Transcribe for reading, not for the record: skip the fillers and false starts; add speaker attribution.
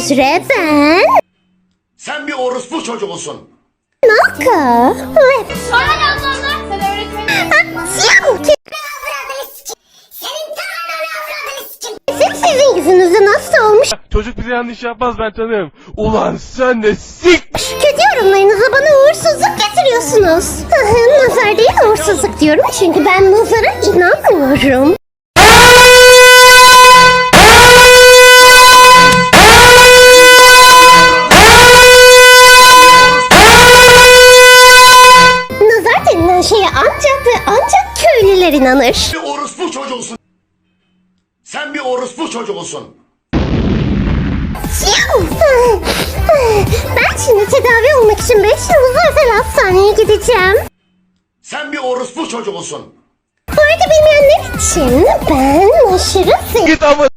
Speaker 1: süre ben...
Speaker 2: Sen bir orospu çocuğusun.
Speaker 1: Naka. Rap.
Speaker 3: Hala ablamlar sen öğretmenin.
Speaker 1: Sizin yüzünüzden hasta olmuş.
Speaker 4: Çocuk bize yanlış yapmaz, ben tanırım. Ulan sen de sik.
Speaker 1: Kötü yorumlarınızla bana uğursuzluk getiriyorsunuz. Nazar değil uğursuzluk diyorum çünkü ben nazara inanmıyorum. Nazar denilen şeye ancak ve ancak köylüler inanır.
Speaker 2: Bir orospu çocuğusun. Sen bir orospu çocuğusun.
Speaker 1: Ben şimdi tedavi olmak için 5 yıldızlı özel hastaneye gideceğim.
Speaker 2: Sen bir orospu çocuğusun.
Speaker 1: Bu arada bilmeyenler için ben aşırı
Speaker 4: Git ama